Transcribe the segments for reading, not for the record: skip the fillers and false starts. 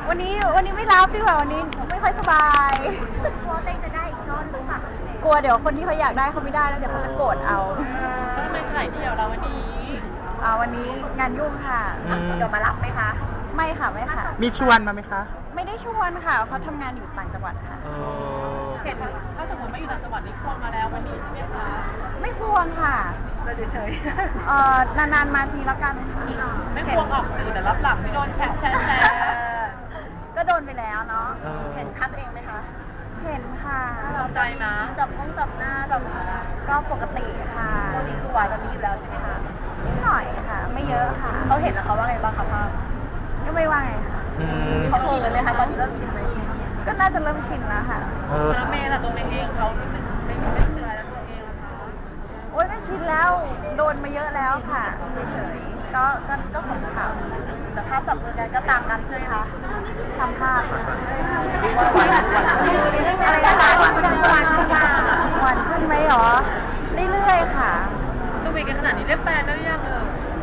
วันนี้ไม่รับดีกว่าวันนี้ไม่ค่อยสบายกลัวเต้จะได้อีกรอบหรือเปล่ากลัวเดี๋ยวคนที่เขาอยากได้เขาไม่ได้แล้วเดี๋ยวเขาจะโกรธเอาทำไมขายเดี่ยวเราวันนี้วันนี้งานยุ่งค่ะเดี๋ยวมารับไหมคะไม่ค่ะไม่ค่ะมีชวนมาไหมคะไม่ได้ชวนค่ะเขาทำงานอยู่ต่างจังหวัดค่ะเห็นถ้าสมมติไม่อยู่ต่างจังหวัดนี่ควงมาแล้ววันนี้ใช่ไหมคะไม่ควงค่ะเราเฉยๆนานๆมาทีแล้วกันไม่ควงออกสื่อแต่รับหลังที่โดนแชร์ก็โดนไปแล้วเนาะเห็นคัดเองไหมคะเห็นค่ะเราใจนะจับหน้าจับก็ปกติค่ะปกติคือหวานแบบนี้อยู่แล้วใช่ไหมคะนิดหน่อยค่ะไม่เยอะค่ะเขาเห็นแล้วเขาว่าไงบ้างคะพ่อก็ไม่ว่าไงค่ะเขาชินเลยไหมคะตอนนี้เริ่มชินไหมก็น่าจะเริ่มชินแล้วค่ะแล้วเมย์ล่ะตัวเมย์เองเขารู้สึกไม่เชื่อแล้วตัวเองล่ะคะโอ๊ยไม่ชินแล้วโดนมาเยอะแล้วค่ะเฉยๆก็ของเขาแต่ภาพจับมือกันก็ตามกันใช่ไหมคะทำภาพอะไรนะคะวันขึ้นไหมหรอเรื่อยๆค่ะตัวเมย์กันขนาดนี้เรียกแฟนแล้วหรือยัง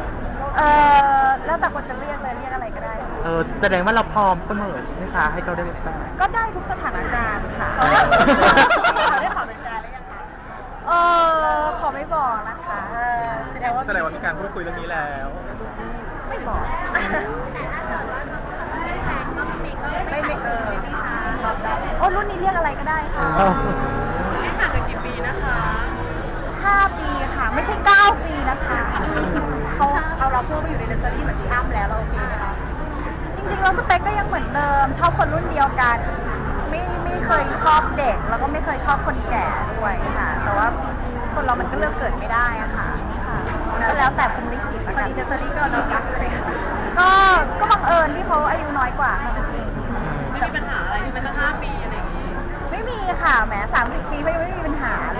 แล้วแต่คนจะเรียกเลยเรียกอะไรก็ได้แสดงว่าเราพร้อมเสมอใช่ไหมคะให้เขาได้เป็นแฟนก็ได้ทุกสถานการณ์ค่ะเขาได้ขอเป็นแฟนหรือยังคะขอไม่บอกนะคะแสดงว่ามีการพูดคุยเรื่องนี้แล้วไม่บอกแต่ถ้าเกิดว่าเขาไม่ได้แฟนก็ไม่รุ่นนี้เรียกอะไรก็ได้ค่ะห่างกันกี่ปีนะคะ 5 ปีค่ะไม่ใช่9 ปีนะคะเขาเอาเราเพิ่มมาอยู่ในเนสเซอรี่เหมือนที่อ้ำแล้วเราโอเคไหมคะจริงๆเราสเปคก็ยังเหมือนเดิมชอบคนรุ่นเดียวกันไม่เคยชอบเด็กแล้วก็ไม่เคยชอบคนแก่ด้วยค่ะแต่ว่าคนเรามันก็เลือกเกิดไม่ได้อะค่ะก็แล้วแต่คุณลิขิตพอดีเนสเซอรี่ก็น้องรักใช่ไหมคะก็บังเอิญที่เขาอายุน้อยกว่าค่ะจริงไม่มีปัญหาอะไรที่มันตั้ง5 ปีอะไรอย่างนี้ไม่มีค่ะแหม30 ปีไม่มีปัญหาเลย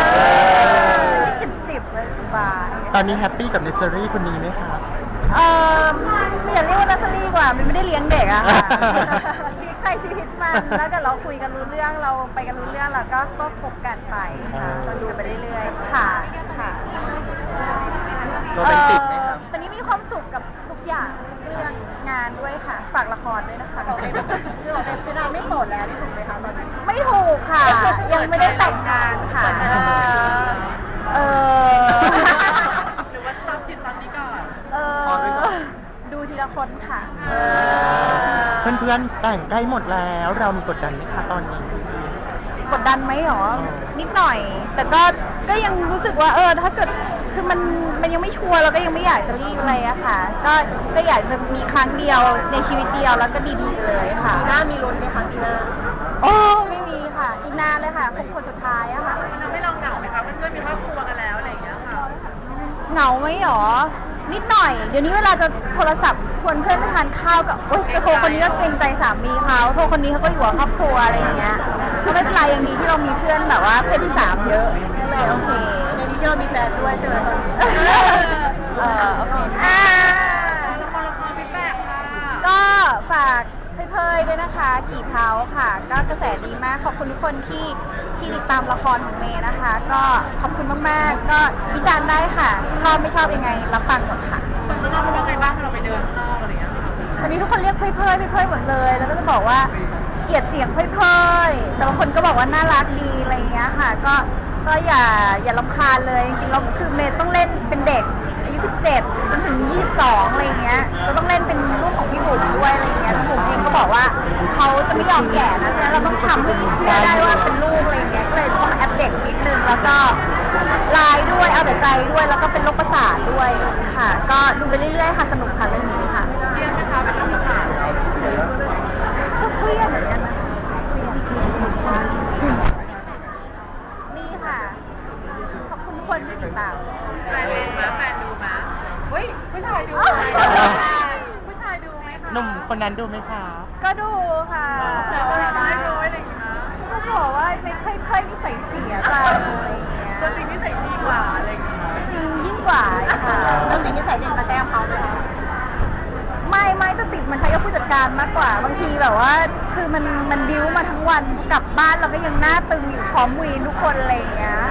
10เลยสบายตอนนี้แฮปปี้กับเนสเซอรี่คนนี้ไหมคะอย่าเรียกว่าเนสเซอรี่กว่ามันไม่ได้เลี้ยงเด็กอะค่ะชีวิตใครชีวิตมันแล้วก็เราคุยกันรู้เรื่องเราไปกันรู้เรื่องแล้วก็คบกันไปค่ะตอนนี้ไปเรื่อยๆค่ะโรแมนติกไหมครับตอนนี้มีความสุขกับทุกอย่างเรื่องงานด้วยค่ะฝากละครด้วยนะคะคือเราไม่โสดแล้วนี่ถูกไหมคะตอนนี้ไม่ถูกค่ะยังไม่ได้แต่งงานค่ะหรือว่าชอบคิดตอนนี้ก่อนดูทีละคนค่ะเพื่อนๆแต่งใกล้หมดแล้วเรามีกดดันไหมคะตอนนี้กดดันไหมหรอนิดหน่อยแต่ก็ยังรู้สึกว่าถ้าเกิดคือมันยังไม่ชัวร์เราก็ยังไม่อยากจะรีบอะไรอะค่ะก็อยากจะมีครั้งเดียวในชีวิตเดียวแล้วก็ดีๆเลยค่ะปีหน้ามีลุ้นไหมคะปีหน้าไม่มีค่ะอีกนานเลยค่ะคนสุดท้ายอะค่ะมันทำให้เราเหงาไหมคะเพื่อนๆมีครอบครัวกันแล้วอะไรอย่างเงี้ยค่ะเหงาไหมหรอนิดหน่อยเดี๋ยวนี้เวลาจะโทรศัพท์ชวนเพื่อนไปทานข้าวกับจะโทรคนนี้ก็เกรงใจสามีเขาโทรคนนี้เขาก็อยู่กับครอบครัวอะไรอย่างเงี้ยก็ไม่เป็นไรอย่างนี้ที่เรามีเพื่อนแบบว่าเพศที่3เยอะก็เลยโอเคในนี้ที่เรามีแฟนด้วยใช่ไหมตอนนี้โอเคละครพี่แป๊กค่ะก็ฝากเพยๆด้วยนะคะกี่เท้าค่ะก็กระแสดีมากขอบคุณทุกคนที่ติดตามละครของเมย์นะคะก็ขอบคุณมากๆก็วิจารณ์ได้ค่ะชอบไม่ชอบยังไงรับฟังหมดค่ะคนข้างนอกเขาว่าไงบ้างเราไปเดินข้างนอกอะไรอย่างเงี้ยวันนี้ทุกคนเรียกเพยหมดเลยแล้วก็จะบอกว่าเกลียดเสียงเพยแต่บางคนก็บอกว่าน่ารักดีอะไรอย่างเงี้ยค่ะก็อย่ารำคาญเลยจริงๆแล้วคือเมย์ต้องเล่นเป็นเด็กอายุ17จนถึง22อะไรอย่างเงี้ยก็ต้องเล่นเป็นลูกของพี่บุ๋มด้วยอะไรอย่างเงี้ยพี่บุ๋มเองก็บอกว่าเขาจะไม่ยอมแก่นะฉะนั้นเราต้องทำให้เชื่อได้ว่าเป็นลูกอะไรอย่างเงี้ยก็เลยต้องแอปเด็กนิดนึงแล้วก็ลายด้วยเอาแต่ใจด้วยแล้วก็เป็นโรคประสาทด้วยค่ะก็ดูไปเรื่อยๆค่ะสนุกค่ะเรื่องนี้ค่ะเครียดไหมคะเป็นโรคประสาทก็เครียดเหมือนกันนะนี่ค่ะขอบคุณทุกคนที่ติดตามแฟนดูไหมเฮ้ยผู้ชายดูผู้ชายดูไหมคะหนุ่มคนนั้นดูไหมคะก็ดูค่ะแต่ว่าน้อยอะไรอย่างเงี้ยก็บอกว่าไม่ค่อยนิสัยเสียไปอะไรอย่างเงี้ยตัวจริงนิสัยดีกว่าอะไรอย่างเงี้ยจริงยิ่งกว่าค่ะแล้วจริงนิสัยดีมาใช้กับเขาไหมไม่จะติดมันใช้กับผู้จัดการมากกว่าบางทีแบบว่าคือมันบิ้วมาทั้งวันกลับบ้านเราก็ยังหน้าตึงอยู่พร้อมวีนทุกคนอะไรอย่างเงี้ย